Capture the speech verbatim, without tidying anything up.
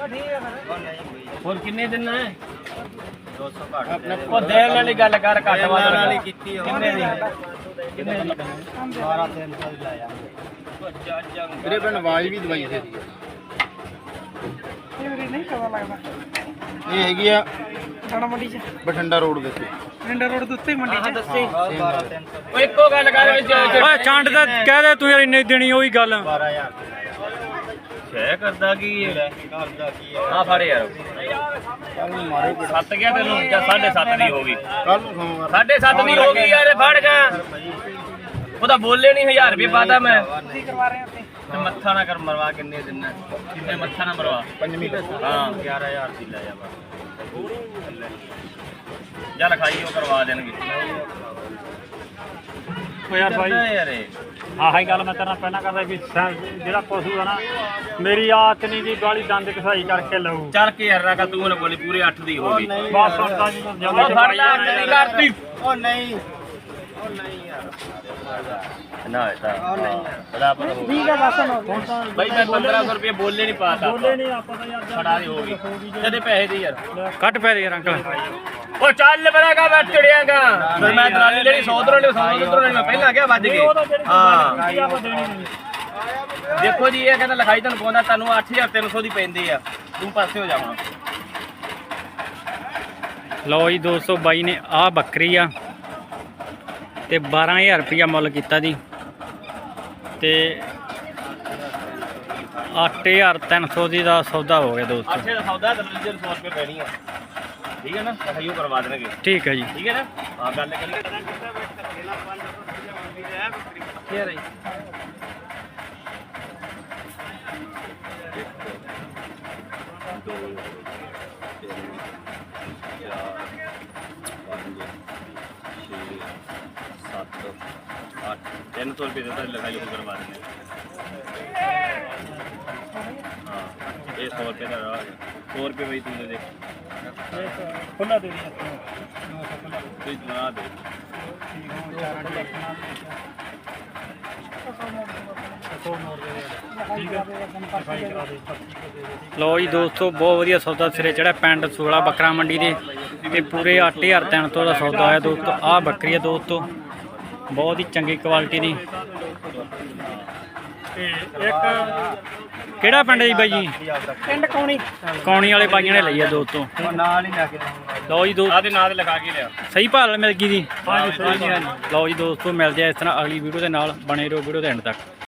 ਹੋਰ ਕਿੰਨੇ ਦਿਨ ਹੈ दो सौ घट ਉਹ ਦੇਣ ਵਾਲੀ ਗੱਲ ਕਰ ਘੱਟ ਵੱਧ वाली की ਕਿੰਨੇ ਦੀ ਕਿੰਨੇ ਦੀ बारह तीन सौ लाया ਵੀਰੇ ਪਿੰਡ ਆਵਾਜ਼ ਵੀ ਦਵਾਈ ਦੇ ਦੀ ਇਹ ਵੀਰੇ ਨਹੀਂ ਪਤਾ ਲੱਗਦਾ ਇਹ ਹੈਗੀ ਆ ਸਾਡਾ ਮੰਡੀ ਚ ਬਠਿੰਡਾ ਰੋਡ ਦੇ ਉੱਤੇ ਰਿੰਡਾ ਰੋਡ ਦੇ ਉੱਤੇ ਮੰਡੀ ਆਹ ਚ ਦੱਸੀ बारह तीन सौ ਉਹ ਇੱਕੋ ਗੱਲ ਕਰ ਓਏ ਚੰਡ ਦਾ ਕਹਿ ਦੇ ਤੂੰ ਯਾਰ ਇੰਨੇ ਦੇਣੀ ਉਹੀ ਗੱਲ बारह हजार ਛੇ ਕਰਦਾ ਕੀ ਹੈ करदा की है ਆ ਫੜ ਯਾਰ ਕੱਲ ਨੂੰ ਮਾਰੇ ਸੱਤ ਗਿਆ ਤੈਨੂੰ ਜਾਂ ਸਾਢੇ ਸੱਤ ਦੀ ਹੋ ਗਈ ਕੱਲ ਨੂੰ ਸੋਮਵਾਰ ਸਾਢੇ ਸੱਤ ਦੀ ਹੋ ਗਈ ਯਾਰ ਇਹ ਫੜ ਗਾ ਉਹਦਾ ਬੋਲੇ ਨਹੀਂ ਹਜ਼ਾਰ ਰੁਪਏ ਪਾਤਾ ਮੈਂ ਤੁਸੀਂ ਕਰਵਾ ਰਹੇ ਹੋ ਉੱਤੇ ਤੇ ਮੱਥਾ ਨਾ ਕਰ ਮਰਵਾ ਕਿੰਨੇ ਦਿਨ ਹੈ ਕਿੰਨੇ ਮੱਥਾ ਨਾ ਮਰਵਾ ਪੰਜਵੀਂ ਹਾਂ ग्यारह हजार की लाया बस ਜਾਂ ਲਿਖਾਈ ਉਹ ਕਰਵਾ ਦੇਣਗੇ ਓ ਯਾਰ ਭਾਈ ਕਰਦਾ ਯਾਰ ਇਹ ਆਹ ਹੀ ਗੱਲ ਮੈਂ ਤੇਰੇ ਨਾਲ ਪਹਿਲਾਂ ਕਰਦਾ ਵੀ ਸੈ- ਜਿਹੜਾ ਪਸ਼ੂ ਆ ਨਾ ਮੇਰੀ ਆਦਤ ਨਹੀਂ ਦੀ ਗਾਲੀ ਦੰਦ ਕਸਾਈ ਕਰਕੇ ਲਊ ਚੱਲ ਕੇ ਯਾਰ ਨਾ ਤੂੰ ਨੇ ਬੋਲੀ ਪੂਰੇ ਅੱਠ ਦੀ ਹੋ ਗਈ ਬਸ ਹੁਣ ਤਾਂ ਜੀ ਉਹ ਫੜ ਲੈ ਅੱਠ ਦੀ ਕਰਤੀ ओ नहीं ओ नहीं यार ਨਾ ਇਹਦਾ ओ नहीं यार ਬੜਾ ਪਤਾ ਹੋ ਠੀਕ ਹੈ ਬਸ ਹੁਣ ਬਾਈ ਮੈਂ ਪੰਦਰਾਂ ਸੌ ਰੁਪਏ ਬੋਲੇ ਨਹੀਂ ਪਾਤਾ ਬੋਲੇ ਨਹੀਂ ਆਪਾਂ ਤਾਂ ਯਾਰ ਫੜਾ ਦੀ ਹੋ ਗਈ ਤੇਰੇ ਪੈਸੇ ਦੇ ਯਾਰ ਕੱਟ ਪੈ ਦੇ ਯਾਰ ਅੰਕਲ ਉਹ ਚੱਲ ਬਰਾਗਾ ਮੈਂ ਚੜਿਆਗਾ ਫਿਰ ਮੈਂ ਦਰਾਲੀ ਲੈਣੀ ਸੌ ਦਰੋਂ ਲੈਣੀ ਸੌ ਦਰੋਂ ਲੈਣੀ ਮੈਂ ਪਹਿਲਾਂ ਕਿਹਾ ਵੱਜ ਗਏ ਹਾਂ ਆਪਾਂ ਦੇਣੀ ਨਹੀਂ ਦੇਖੋ ਜੀ ਇਹ ਕਹਿੰਦਾ ਲਿਖਾਈ ਤੁਹਾਨੂੰ ਪਾਉਂਦਾ ਤੁਹਾਨੂੰ ਅੱਠ ਹਜ਼ਾਰ ਤਿੰਨ ਸੌ ਦੀ ਪੈਂਦੀ ਆ ਤੂੰ ਪਾਸੇ ਹੋ ਜਾਵਾਂ ਲਓ ਜੀ ਦੋ ਸੌ ਬਾਈ ਨੇ ਆਹ ਬੱਕਰੀ ਆ ਤੇ ਬਾਰਾਂ ਹਜ਼ਾਰ ਰੁਪਇਆ ਮੁੱਲ ਕੀਤਾ ਜੀ ਤੇ ਅੱਠ ਹਜ਼ਾਰ ਤਿੰਨ ਸੌ ਦੀ ਦਾ ਸੌਦਾ ਹੋ ਗਿਆ ਦੋਸਤੋ ਅੱਠੇ ਦਾ ਸੌਦਾ ਤੇ ਦੂਜੇ ਸੌ ਰੁਪਏ ਪੈਣੀ ਆ ਠੀਕ ਹੈ ਨਾ ਲਿਖਾਈ ਉਹ ਕਰਵਾ ਦੇਣਗੇ ਠੀਕ ਹੈ ਜੀ ਠੀਕ ਹੈ ਨਾ ਹਾਂ ਗੱਲ ਕਰੀਏ ਕੀ ਰਹੀ ਤਿੰਨ ਸੌ ਰੁਪਏ ਦਾ ਲਿਖਾਈ ਉਹ ਕਰਵਾ ਦਿੰਦੇ ਹਾਂ ਇਹ ਸੌ ਰੁਪਏ ਦਾ ਰਾਹ ਹੈ ਸੌ ਰੁਪਏ ਬਈ ਤੂੰ ਦੇ ਦੇ ਖੁੱਲਾ ਦੇ ਦੀ ਤੂੰ ਬਣਾ ਦੇ ਲਓ ਜੀ ਦੋਸਤੋ ਬਹੁਤ ਵਧੀਆ ਸੌਦਾ ਸਿਰੇ ਚੜਿਆ ਪਿੰਡ ਸੂਲਾ ਬੱਕਰਾ ਮੰਡੀ ਦੇ ਤੇ ਪੂਰੇ ਅੱਠ ਹਜ਼ਾਰ ਤਿੰਨ ਸੌ ਦਾ ਸੌਦਾ ਆਇਆ ਦੋਸਤੋ ਆਹ ਬੱਕਰੀ ਆ ਦੋਸਤੋ ਬਹੁਤ ਹੀ ਚੰਗੀ ਕੁਆਲਿਟੀ ਦੀ ਤੇ ਇੱਕ ਕਿਹੜਾ ਪਿੰਡ ਹੈ ਜੀ ਬਾਈ ਜੀ ਪਿੰਡ ਕੌਣੀ ਕੌਣੀ ਵਾਲੇ ਬਾਈਆਂ ਨੇ ਲਈ ਆ ਦੋਸਤੋ नाल ही लगे ਲਓ ਜੀ ਦੋ ਆਹ ਦੇ ਨਾਂ ਤੇ ਲਿਖਾ ਕੇ ਲਿਆ ਸਹੀ ਭਾਅ ਮਿਲ ਗਈ ਜੀ ਹਾਂਜੀ ਸਹੀ ਲਓ ਜੀ ਦੋਸਤੋ ਮਿਲਦੇ ਆ ਇਸ ਤਰ੍ਹਾਂ ਅਗਲੀ ਵੀਡੀਓ ਦੇ ਨਾਲ ਬਣੇ ਰਹੋ ਵੀਡੀਓ ਦੇ ਐਂਡ ਤੱਕ।